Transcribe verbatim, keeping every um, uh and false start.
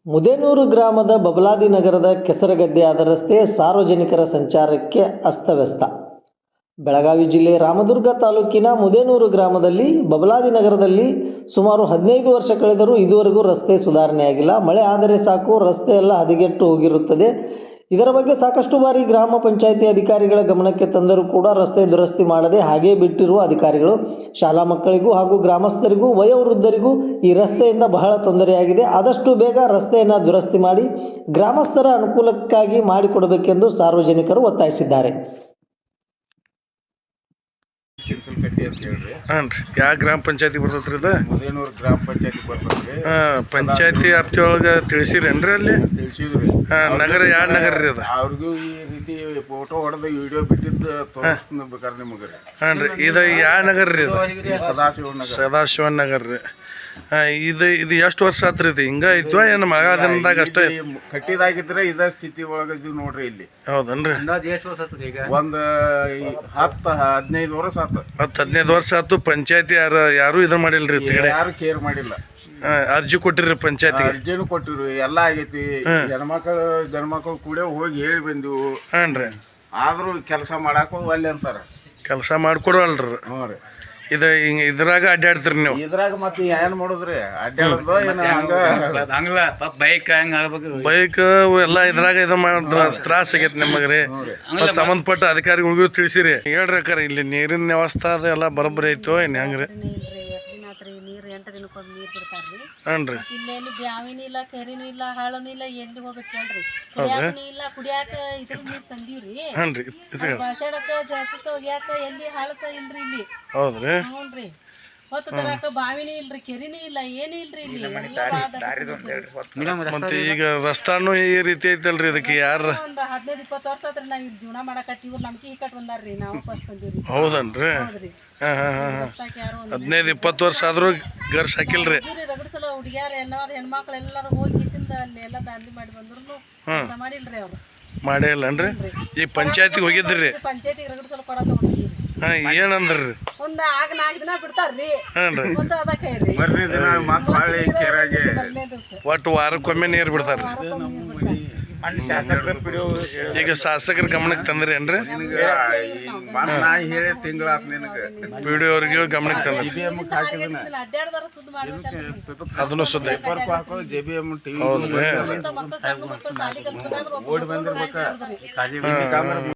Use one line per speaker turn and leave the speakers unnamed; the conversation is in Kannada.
ಮುದೇನೂರು ಗ್ರಾಮದ ಬಬಲಾದಿ ನಗರದ ಕೆಸರಗದ್ದೆಯಾದ ರಸ್ತೆ ಸಾರ್ವಜನಿಕರ ಸಂಚಾರಕ್ಕೆ ಅಸ್ತವ್ಯಸ್ತ. ಬೆಳಗಾವಿ ಜಿಲ್ಲೆ ರಾಮದುರ್ಗ ತಾಲೂಕಿನ ಮುದೇನೂರು ಗ್ರಾಮದಲ್ಲಿ ಬಬಲಾದಿ ನಗರದಲ್ಲಿ ಸುಮಾರು ಹದಿನೈದು ವರ್ಷ ಕಳೆದರೂ ಇದುವರೆಗೂ ರಸ್ತೆ ಸುಧಾರಣೆಯಾಗಿಲ್ಲ. ಮಳೆ ಆದರೆ ಸಾಕು ರಸ್ತೆ ಎಲ್ಲ ಹದಗೆಟ್ಟು ಹೋಗಿರುತ್ತದೆ. ಇದರ ಬಗ್ಗೆ ಸಾಕಷ್ಟು ಬಾರಿ ಗ್ರಾಮ ಪಂಚಾಯಿತಿ ಅಧಿಕಾರಿಗಳ ಗಮನಕ್ಕೆ ತಂದರೂ ಕೂಡ ರಸ್ತೆ ದುರಸ್ತಿ ಮಾಡದೆ ಹಾಗೇ ಬಿಟ್ಟಿರುವ ಅಧಿಕಾರಿಗಳು ಶಾಲಾ ಮಕ್ಕಳಿಗೂ ಹಾಗೂ ಗ್ರಾಮಸ್ಥರಿಗೂ ವಯೋವೃದ್ಧರಿಗೂ ಈ ರಸ್ತೆಯಿಂದ ಬಹಳ ತೊಂದರೆಯಾಗಿದೆ. ಆದಷ್ಟು ಬೇಗ ರಸ್ತೆಯನ್ನು ದುರಸ್ತಿ ಮಾಡಿ ಗ್ರಾಮಸ್ಥರ ಅನುಕೂಲಕ್ಕಾಗಿ ಮಾಡಿಕೊಡಬೇಕೆಂದು ಸಾರ್ವಜನಿಕರು ಒತ್ತಾಯಿಸಿದ್ದಾರೆ.
ಚಿಂಚಲಕಟ್ಟಿ ಅಂತ ಹೇಳ್ರಿ.
ಹಾಂ ರೀ, ಯಾವ ಗ್ರಾಮ ಪಂಚಾಯತಿ ಬರ್ತೈತ್ರಿ ಇದು?
ಮುದೇನೂರು ಗ್ರಾಮ ಪಂಚಾಯತಿ ಬರ್ತದ್ರಿ.
ಹಾಂ, ಪಂಚಾಯತಿ ವ್ಯಾಪ್ತಿಯೊಳಗೆ ತಿಳಿಸಿರೇನ್ರಿ ಅಲ್ಲಿ?
ತಿಳಿಸಿದ್ರಿ.
ಹಾಂ, ನಗರ ಯಾವ ನಗರ ರೀ ಅದು?
ಅವ್ರಿಗೂ ಈ ರೀತಿ ಫೋಟೋ ಹೊಡೆದು ವಿಡಿಯೋ ಬಿಟ್ಟಿದ್ದು ತೋರಿಸ್ಬೇಕಾರೆ ನಿಮಗೆ ರೀ.
ಹಾಂ ರೀ, ಇದು ಯಾವ ನಗರ ರೀ ಇದು?
ಸದಾಶಿವ ನಗರ.
ಸದಾಶಿವ ನಗರ ರೀ. ಹಾಂ, ಇದು ಇದು ಎಷ್ಟು ವರ್ಷ ಆತ್ರಿ ಇದು ಹಿಂಗ ಇದ್ವಾ ಏನು ಮಗಾದಿನದಾಗ ಅಷ್ಟೇ?
ಕಟ್ಟಿದಾಗಿದ್ರೆ ಇದ ಸ್ಥಿತಿ ಒಳಗೆ ಇದು ನೋಡ್ರಿ ಇಲ್ಲಿ.
ಹೌದನ್ರಿ?
ಒಂದು ಹತ್ತು ಹದಿನೈದು ವರ್ಷ ಆತು.
ಹತ್ತು ಹದಿನೈದು ವರ್ಷ ಆಯ್ತು. ಪಂಚಾಯತಿ ಯಾರು ಯಾರು ಇದು ಮಾಡಿಲ್ರಿ?
ಯಾರು ಕೇರ್ ಮಾಡಿಲ್ಲ.
ಅರ್ಜಿ ಕೊಟ್ಟಿರಿ ಪಂಚಾಯತಿ?
ಅರ್ಜಿನೂ ಕೊಟ್ಟಿರು, ಎಲ್ಲ ಆಗೈತಿ. ಹೆಣ್ಮಕ್ಳು ಗಂಡ್ಮಕ್ಳು ಕೂಡ ಹೋಗಿ ಹೇಳಿ ಬಂದಿವು.
ಹಾಂ ರೀ,
ಆದ್ರೂ ಕೆಲಸ ಮಾಡಾಕ ಒಲ್ಲೆ ಅಂತಾರ.
ಕೆಲಸ ಮಾಡ್ಕೊಡವಲ್ರಿ.
ಹ್ಞೂ ರೀ.
ಇದು ಹಿಂಗೆ ಇದ್ರಾಗ ಅಡ್ಡಾಡ್ತೀರಿ ನೀವು?
ಇದ್ರಾಗ ಮತ್ತೆ ಏನ್ ಮಾಡುದ್ರಿ? ಅಡ್ಡಾಡೋದು ಏನು ಹಂಗ
ಹಂಗಲ್ಲ ಬೈಕ್ ಹಂಗ
ಬೈಕ್ ಎಲ್ಲ ಇದ್ರಾಗ ಇದು ಮಾಡಿದ್ರ ತ್ರಾಸ ಆಗೈತಿ ನಿಮಗೆ ರೀ. ಸಂಬಂಧಪಟ್ಟ ಅಧಿಕಾರಿಗಳಿಗೂ ತಿಳಿಸಿರಿ ಹೇಳ್ರಿ ಅಕ್ಕಾರ, ಇಲ್ಲಿ ನೀರಿನ ವ್ಯವಸ್ಥೆ ಅದು ಎಲ್ಲ ಬರೋಬ್ಬರಿ ಐತೋ ಏನು ಹೆಂಗ್ರಿ?
ನೀರು ಎಂಟು ದಿನಕ್ಕೊಂದು ನೀರು ಬಿಡ್ತಾರ್ರಿ.
ಹಾಂ ರೀ.
ಇಲ್ಲೇನು ಬ್ಯಾವಿನೂ ಇಲ್ಲ, ಕೆರಿನೂ ಇಲ್ಲ, ಹಾಳನೂ ಇಲ್ಲ, ಎಲ್ಲಿ ಹೋಗ್ಬೇಕು ಹೇಳ್ರಿ? ಕುಡಿಯಾಕನೂ ಇಲ್ಲ, ಕುಡಿಯಾಕ ಇದ್ರ ನೀರು ತಂದೀವ್ರಿ.
ಹಾಂ ರೀ,
ಬಾಸಾಡಕ ಜಾಕಕ್ಕ ಒಗ್ಯಾಕ ಎಲ್ಲಿ ಹಾಳಸ ಇಲ್ರಿ ಇಲ್ಲಿ.
ಹೌದ್ರಿ?
ಹ್ಞೂನ್ರಿ. ಹೊತ್ತು ತರಾಕ ಬಾವಿನೂ ಇಲ್ರಿ, ಕೆರಿನೂ ಇಲ್ಲ, ಏನೂ ಇಲ್ರಿ ಇಲ್ಲಿ.
ಮತ್ತೆ ಈಗ ರಸ್ತಾನು ಈ ರೀತಿ ಐತಲ್ರಿ, ಇದಕ್ಕೆ ಯಾರ
ಒಂದು ಹದಿನೈದು ಇಪ್ಪತ್ತು ವರ್ಷ ಆತ್ರಿ ನಾವ್ ಇಲ್ಲಿ ಜೀವನ ಮಾಡಕತ್ತಿ. ಇವ್ರು ನಮ್ಗೆ ಈ ಕಟ್ ಬಂದಾರ್ರಿ, ನಾವು ಫಸ್ಟ್ ಬಂದಿವ್ರಿ.
ಹೌದನ್ರಿ?
ಹೌದ್ರಿ.
ಹಾಂ ಹಾಂ ಹಾಂ
ರಸ್ತಾಕ್ ಯಾರು
ಹದಿನೈದು ಇಪ್ಪತ್ತು ವರ್ಷ ಆದ್ರೂ ಗರ್ಸ್ ಹಾಕಿಲ್ರಿ?
ರಗಡ್ ಸಲ ಹುಡುಗಿಯಾರ ಎಲ್ಲಾರು ಹೆಣ್ಮಕ್ಳು ಎಲ್ಲಾರು ಹೋಗಿ ಕಿಸಿಂದ ಅಲ್ಲಿ ಎಲ್ಲ ದಾಂಧಲಿ ಮಾಡಿ ಬಂದ್ರು ಕೆಲಸ ಮಾಡಿಲ್ರಿ ಅವ್ರು.
ಮಾಡೇ ಇಲ್ಲನ್ರಿ? ಈ ಪಂಚಾಯತಿಗೆ ಹೋಗಿದ್ರಿ?
ಪಂಚಾಯತಿಗೆ ರಗಡ್ ಸಲ ಕೊಡ ತಗೊಂಡಿರಿ.
ಹಾಂ, ಏನಂದ್ರಿ?
ಒಂದ್ ಆಗ ನಾಲ್ಕು ದಿನ ಬಿಡ್ತಾರ್ರಿ.
ಹಾಂ ರೀ.
ಒಂದ್ ಅದ ಕೈರಿ
ಬರ್ರಿ ದಿನ ಮತ್ತೆ ಹೊಳ್ಳಿ ಕೆರೆಗೆ
ಮೊದಲನೇ ದಿವಸ
ಒಟ್ಟು ವಾರಕ್ಕೊಮ್ಮೆ ನೀರು ಬಿಡ್ತಾರ? ಈಗ ಶಾಸಕರ ಗಮನಕ್ಕೆ ತಂದ್ರಿ ಏನ್ರಿ?
ನಾ ಹೇಳಿ ತಿಂಗಳಾತ್ ನಿನಗೆ
ಪಿ ಡಿ ಅವ್ರಿಗೆ ಗಮನಕ್ಕೆ ತಂದ್ರಿ?
ಅಡ್ಡಾಡ್ದಾರ ಸುದ್ದಿ ಮಾಡ್ಬೇಕಲ್ರಿ.
ಅದನ್ನು ಸುದ್ದಿ
ಹಾಕೋ ಜೆ ಬಿ ಎಮ್ ಟಿವಿ
ಹೌದ್ರಿ?
ಮಕ್ಕಳು ಸಣ್ಣ ಮಕ್ಕಳು ಸಾಲಿ ಕಲ್ಸ್ಬೇಕಾದ್ರೆ
ಓಡಿ ಬಂದಿರ್ಬೇಕ.